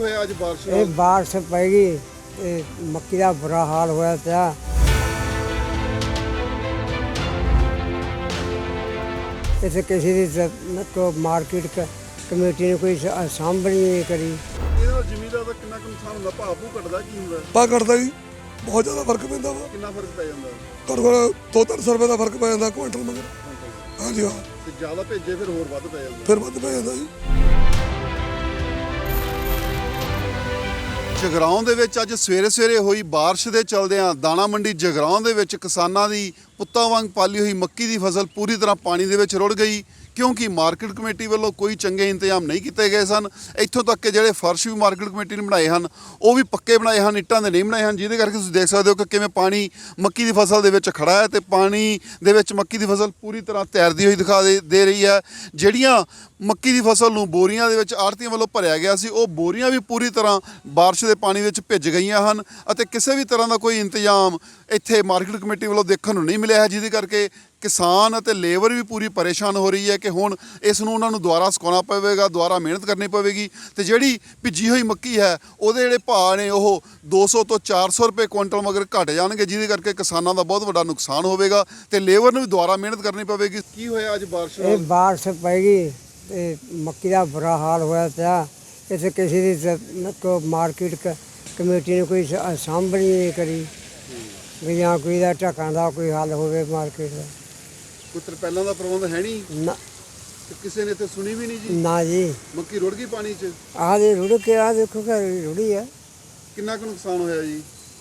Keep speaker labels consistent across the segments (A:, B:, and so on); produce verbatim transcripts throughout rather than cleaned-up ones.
A: ਹੋਇਆ ਅੱਜ ਬਾਰਿਸ਼
B: ਇਹ ਬਾਰਿਸ਼ ਪੈ ਗਈ ਤੇ ਮੱਕੀ ਦਾ ਬੁਰਾ ਹਾਲ ਹੋਇਆ ਪਿਆ। ਇੱਥੇ ਕਿਸੇ ਦੀ ਜ਼- ਕੋ ਮਾਰਕੀਟ ਕ- ਕਮੇਟੀ ਨੇ ਕੋਈ ਸ- ਸਾਂਭਣੀ ਨਹੀਂ ਕਰੀ।
A: ਇਹਦੇ ਨਾਲ ਜ਼ਮੀਨਦਾਰ ਦਾ ਕਿੰਨਾ ਕੁ ਨੁਕਸਾਨ ਹੁੰਦਾ? ਭਾਅ ਭੂ ਘਟਦਾ ਕੀ ਹੁੰਦਾ?
C: ਪਾ ਘਟਦਾ ਜੀ, ਬਹੁਤ ਜ਼ਿਆਦਾ ਫਰਕ ਪੈਂਦਾ ਵਾ।
A: ਕਿੰਨਾ ਫਰਕ ਪੈ ਜਾਂਦਾ?
C: ਘੱਟੋ ਘੱਟ ਦੋ ਤਿੰਨ ਸੌ ਰੁਪਏ ਦਾ ਫਰਕ ਪੈ ਜਾਂਦਾ ਕੁਇੰਟਲ ਮਗਰ। ਹਾਂਜੀ ਹਾਂ,
A: ਤੇ ਜ਼ਿਆਦਾ ਭੇਜੇ ਫਿਰ ਹੋਰ ਵੱਧ ਪੈ ਜਾਂਦਾ।
C: ਫਿਰ ਵੱਧ ਪੈ ਜਾਂਦਾ ਜੀ।
A: ਜਗਰਾਉਂ ਦੇ ਵਿੱਚ ਅੱਜ ਸਵੇਰੇ ਸਵੇਰੇ ਹੋਈ ਬਾਰਿਸ਼ ਦੇ ਚਲਦਿਆਂ ਦਾਣਾ ਮੰਡੀ ਜਗਰਾਉਂ ਦੇ ਵਿੱਚ ਕਿਸਾਨਾਂ ਦੀ ਪੁੱਤਾਂ ਵਾਂਗ ਪਾਲੀ ਹੋਈ ਮੱਕੀ ਦੀ ਫਸਲ ਪੂਰੀ ਤਰ੍ਹਾਂ ਪਾਣੀ ਦੇ ਵਿੱਚ ਰੁੜ ਗਈ, ਕਿਉਂਕਿ ਮਾਰਕੀਟ ਕਮੇਟੀ ਵੱਲੋਂ ਕੋਈ ਚੰਗੇ ਇੰਤਜ਼ਾਮ ਨਹੀਂ ਕੀਤੇ ਗਏ ਸਨ। ਇੱਥੋਂ ਤੱਕ ਕਿ ਜਿਹੜੇ ਫਰਸ਼ ਵੀ ਮਾਰਕੀਟ ਕਮੇਟੀ ਨੇ ਬਣਾਏ ਹਨ ਉਹ ਵੀ ਪੱਕੇ ਬਣਾਏ ਹਨ, ਇੱਟਾਂ ਦੇ ਨਹੀਂ ਬਣਾਏ ਹਨ, ਜਿਹਦੇ ਕਰਕੇ ਤੁਸੀਂ ਦੇਖ ਸਕਦੇ ਹੋ ਕਿ ਕਿਵੇਂ ਪਾਣੀ ਮੱਕੀ ਦੀ ਫਸਲ ਦੇ ਵਿੱਚ ਖੜਾ ਹੈ ਤੇ ਪਾਣੀ ਦੇ ਵਿੱਚ ਮੱਕੀ ਦੀ ਫਸਲ ਪੂਰੀ ਤਰ੍ਹਾਂ ਤੈਰਦੀ ਹੋਈ ਦਿਖਾ ਦੇ ਦੇ ਰਹੀ ਹੈ। ਜਿਹੜੀਆਂ ਮੱਕੀ ਦੀ ਫਸਲ ਨੂੰ ਬੋਰੀਆਂ ਦੇ ਵਿੱਚ ਆੜ੍ਹਤੀਆਂ ਵੱਲੋਂ ਭਰਿਆ ਗਿਆ ਸੀ, ਉਹ ਬੋਰੀਆਂ ਵੀ ਪੂਰੀ ਤਰ੍ਹਾਂ ਬਾਰਿਸ਼ ਦੇ ਪਾਣੀ ਵਿੱਚ ਭਿੱਜ ਗਈਆਂ ਹਨ ਅਤੇ ਕਿਸੇ ਵੀ ਤਰ੍ਹਾਂ ਦਾ ਕੋਈ ਇੰਤਜ਼ਾਮ ਇੱਥੇ ਮਾਰਕੀਟ ਕਮੇਟੀ ਵੱਲੋਂ ਦੇਖਣ ਨੂੰ ਨਹੀਂ ਮਿਲਿਆ ਹੈ, ਜਿਹਦੇ ਕਰਕੇ ਕਿਸਾਨ ਅਤੇ ਲੇਬਰ ਵੀ ਪੂਰੀ ਪਰੇਸ਼ਾਨ ਹੋ ਰਹੀ ਹੈ ਕਿ ਹੁਣ ਇਸ ਨੂੰ ਉਹਨਾਂ ਨੂੰ ਦੁਬਾਰਾ ਸੁਕਾਉਣਾ ਪਵੇਗਾ, ਦੁਬਾਰਾ ਮਿਹਨਤ ਕਰਨੀ ਪਵੇਗੀ ਤੇ ਜਿਹੜੀ ਭਿੱਜੀ ਹੋਈ ਮੱਕੀ ਹੈ ਉਹਦੇ ਜਿਹੜੇ ਭਾਅ ਨੇ ਉਹ ਦੋ ਸੌ ਤੋਂ ਚਾਰ ਸੌ ਰੁਪਏ ਕੁਇੰਟਲ ਮਗਰ ਘਟ ਜਾਣਗੇ, ਜਿਹਦੇ ਕਰਕੇ ਕਿਸਾਨਾਂ ਦਾ ਬਹੁਤ ਵੱਡਾ ਨੁਕਸਾਨ ਹੋਵੇਗਾ ਤੇ ਲੇਬਰ ਨੂੰ ਵੀ ਦੁਬਾਰਾ ਮਿਹਨਤ ਕਰਨੀ ਪਵੇਗੀ। ਕੀ ਹੋਇਆ ਅੱਜ ਬਾਰਿਸ਼
B: ਇਹ
A: ਨਾਲ?
B: ਬਾਰਿਸ਼ ਪੈ ਗਈ ਤੇ ਮੱਕੀ ਦਾ ਬੁਰਾ ਹਾਲ ਹੋਇਆ ਪਿਆ। ਇੱਥੇ ਕਿਸੇ ਦੀ ਜ਼- ਕੋ ਮਾਰਕੀਟ ਕ- ਕਮੇਟੀ ਨੇ ਕੋਈ ਸ- ਸਾਂਭਣੀ ਨਹੀਂ ਕਰੀ ਵੀ ਜਾਂ ਕੋਈ ਦਾ ਢੱਕਣ ਦਾ ਕੋਈ ਹੱਲ ਹੋਵੇ ਮਾਰਕੀਟ ਦਾ।
A: ਕੋਈ ਤਰਪਾਲਾਂ ਦਾ ਪ੍ਰਬੰਧ ਹੈ ਨਹੀਂ
B: ਨਾ
A: ਤੇ ਕਿਸੇ ਨੇ ਇੱਥੇ ਸੁਣੀ ਵੀ ਨਹੀਂ ਜੀ।
B: ਨਾ ਜੀ,
A: ਮੱਕੀ ਰੁੜ ਗਈ ਪਾਣੀ 'ਚ।
B: ਆਹ ਦੇ ਰੁੜ ਕੇ ਆ ਦੇਖੋ ਕਿ ਰੁੜੀ ਆ,
A: ਕਿੰਨਾ ਕੁ ਨੁਕਸਾਨ ਹੋਇਆ ਜੀ?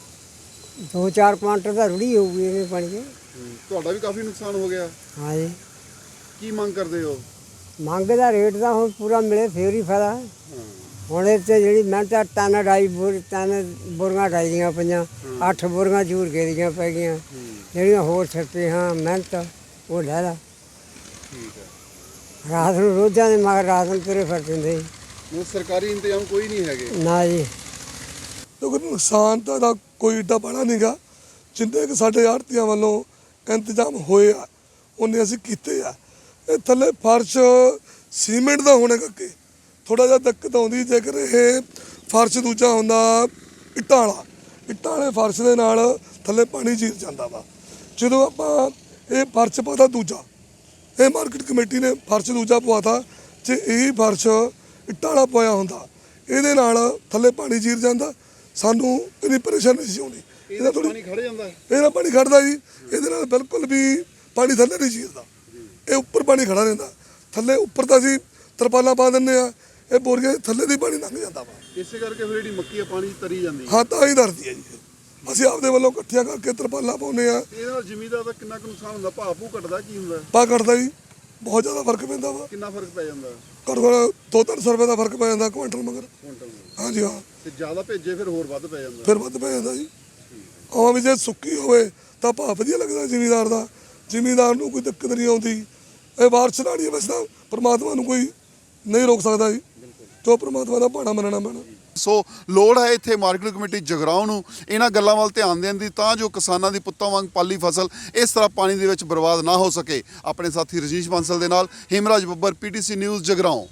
B: ਦੋ ਚਾਰ ਕੁਆਂਟਲ ਤਾਂ ਰੁੜੀ ਹੋਊਗੀ ਇਹਦੇ ਪਾਣੀ 'ਚ।
A: ਤੁਹਾਡਾ ਵੀ ਕਾਫੀ ਨੁਕਸਾਨ ਹੋ ਗਿਆ।
B: ਹਾਂ ਜੀ,
A: ਕੀ ਮੰਗ ਕਰਦੇ ਹੋ?
B: ਮੰਗ ਦਾ ਰੇਟ ਤਾਂ ਹੁਣ ਪੂਰਾ ਮਿਲੇ ਫੇਰ ਹੀ ਫਾਇਦਾ। ਹੁਣ ਇਹ 'ਤੇ ਜਿਹੜੀ ਮਿਹਨਤ ਆ ਟਨ ਢਾਈ ਬੋਰ ਤਿੰਨ ਬੋਰੀਆਂ ਢਾਈ ਦੀਆਂ ਪਈਆਂ, ਅੱਠ ਬੋਰੀਆਂ ਝੂਰ ਕੇ ਦੀਆਂ ਪੈ ਗਈਆਂ। ਜਿਹੜੀਆਂ ਹੋਰ ਛੱਪੇ ਹਾਂ ਮਿਹਨਤ ਉਹ ਲੈ ਲਾ।
A: ਠੀਕ ਹੈ।
B: ਰਾਤ ਨੂੰ ਰੋਜ਼ਾਂ ਦੇ ਮਗਰ ਰਾਤ ਨੂੰ ਤੁਰੇ ਫਿਰ ਦਿੰਦੇ ਸੀ।
A: ਮਤਲਬ ਸਰਕਾਰੀ ਇੰਤਜ਼ਾਮ ਕੋਈ ਨਹੀਂ ਹੈਗੇ।
B: ਨਾ ਜੀ,
C: ਕਿਉਂਕਿ ਨੁਕਸਾਨ ਤਾਂ ਇਹਦਾ ਕੋਈ ਏਡਾ ਬੜਾ ਨਹੀਂਗਾ, ਜਿੰਨੇ ਕਿ ਸਾਡੇ ਆੜ੍ਹਤੀਆਂ ਵੱਲੋਂ ਇੰਤਜ਼ਾਮ ਹੋਏ ਆ ਉਹਨੇ ਅਸੀਂ ਕੀਤੇ ਆ। ਇਹ ਥੱਲੇ ਫਰਸ਼ ਸੀਮੈਂਟ ਦਾ ਹੋਣੇ ਕਰਕੇ ਥੋੜਾ ਜਿਹਾ ਦਿੱਕਤ ਆਉਂਦੀ, ਜੇਕਰ ਇਹ ਫਰਸ਼ ਦੂਜਾ ਹੁੰਦਾ ਇੱਟਾਂ ਵਾਲਾ, ਇੱਟਾਂ ਵਾਲੇ ਫਰਸ਼ ਦੇ ਨਾਲ ਥੱਲੇ ਪਾਣੀ ਚੀਰ ਜਾਂਦਾ ਵਾ। ਜਦੋਂ ਆਪਾਂ ਇਹ ਫਰਸ਼ ਪਾਤਾ ਦੂਜਾ, ਇਹ ਮਾਰਕੀਟ ਕਮੇਟੀ ਨੇ ਫਰਸ਼ ਦੂਜਾ ਪਵਾਤਾ, ਜੇ ਇਹੀ ਫਰਸ਼ ਇੱਟਾਂ ਵਾਲਾ ਪਾਇਆ ਹੁੰਦਾ ਇਹਦੇ ਨਾਲ ਥੱਲੇ ਪਾਣੀ ਚੀਰ ਜਾਂਦਾ, ਸਾਨੂੰ ਇੰਨੀ ਪਰੇਸ਼ਾਨੀ ਨਹੀਂ ਸੀ ਆਉਂਦੀ।
A: ਇਹਦਾ ਪਾਣੀ ਖੜ ਜਾਂਦਾ।
C: ਇਹਦੇ ਨਾਲ ਪਾਣੀ ਖੜਦਾ ਜੀ, ਇਹਦੇ ਨਾਲ ਬਿਲਕੁਲ ਵੀ ਪਾਣੀ ਥੱਲੇ ਨਹੀਂ ਚੀਰਦਾ, ਇਹ ਉੱਪਰ ਪਾਣੀ ਖੜਾ ਰਹਿੰਦਾ। ਥੱਲੇ ਉੱਪਰ ਤਾਂ ਅਸੀਂ ਤਰਪਾਲਾਂ ਪਾ ਦਿੰਦੇ ਆ, ਇਹ ਬੋਰੀਆਂ ਥੱਲੇ ਦੀ ਪਾਣੀ ਲੰਘ ਜਾਂਦਾ ਵਾ।
A: ਇਸੇ ਕਰਕੇ ਫਿਰ ਜਿਹੜੀ ਮੱਕੀ ਆ ਪਾਣੀ 'ਚ ਤਰੀ ਜਾਂਦੀ ਹੈ।
C: ਹਾਂ, ਤਾਂ ਹੀ ਦਰਦੀ ਹੈ ਜੀ। ਅਸੀਂ ਆਪਦੇ ਵੱਲੋਂ ਇਕੱਠੀਆਂ ਕਰਕੇ ਤਰਪਾਲਾਂ ਪਾਉਂਦੇ ਆ।
A: ਇਹਦੇ ਨਾਲ ਜ਼ਮੀਨਦਾਰ ਦਾ ਕਿੰਨਾ ਕੁ ਨੁਕਸਾਨ ਹੁੰਦਾ? ਭਾਅ ਭੂ ਘਟਦਾ ਕੀ ਹੁੰਦਾ?
C: ਪਾ ਘਟਦਾ ਜੀ, ਬਹੁਤ ਜ਼ਿਆਦਾ ਫਰਕ ਪੈਂਦਾ ਵਾ।
A: ਕਿੰਨਾ ਫਰਕ ਪੈ ਜਾਂਦਾ?
C: ਘੱਟੋ ਘੱਟ ਦੋ ਤਿੰਨ ਸੌ ਰੁਪਏ ਦਾ ਫਰਕ ਪੈ ਜਾਂਦਾ ਕੁਇੰਟਲ ਮਗਰ।
A: ਕੁਇੰਟਲ ਨੂੰ।
C: ਹਾਂਜੀ ਹਾਂ,
A: ਤੇ ਜ਼ਿਆਦਾ ਭੇਜੇ ਫਿਰ ਹੋਰ ਵੱਧ ਪੈ ਜਾਂਦਾ।
C: ਫਿਰ ਵੱਧ ਪੈ ਜਾਂਦਾ ਜੀ। ਆਵਾਂ ਵੀ ਜੇ ਸੁੱਕੀ ਹੋਵੇ ਤਾਂ ਭਾਅ ਵਧੀਆ ਲੱਗਦਾ ਜ਼ਿਮੀਂਦਾਰ ਦਾ, ਜ਼ਿਮੀਂਦਾਰ ਨੂੰ ਕੋਈ ਦਿੱਕਤ ਨਹੀਂ ਆਉਂਦੀ। ਇਹ ਬਾਰਿਸ਼ ਨਾਲ ਹੀ ਵੈਸੇ ਤਾਂ ਪਰਮਾਤਮਾ ਨੂੰ ਕੋਈ ਨਹੀਂ ਰੋਕ ਸਕਦਾ ਜੀ, ਜੋ ਪਰਮਾਤਮਾ ਦਾ ਭਾਣਾ ਮੰਨਣਾ ਪੈਣਾ।
A: ਸੋ ਲੋੜ ਹੈ ਇੱਥੇ ਮਾਰਕੀਟ ਕਮੇਟੀ ਜਗਰਾਉਂ ਨੂੰ ਇਹਨਾਂ ਗੱਲਾਂ ਵੱਲ ਧਿਆਨ ਦੇਣ ਦੀ, ਤਾਂ ਜੋ ਕਿਸਾਨਾਂ ਦੀ ਪੁੱਤਾਂ ਵਾਂਗ ਪਾਲੀ ਫਸਲ ਇਸ ਤਰ੍ਹਾਂ ਪਾਣੀ ਦੇ ਵਿੱਚ ਬਰਬਾਦ ਨਾ ਹੋ ਸਕੇ। ਆਪਣੇ ਸਾਥੀ ਰਜੀਸ਼ ਬਾਂਸਲ ਦੇ ਨਾਲ ਹਿਮਰਾਜ ਬੱਬਰ, ਪੀਟੀਸੀ ਨਿਊਜ਼ ਜਗਰਾਉਂ।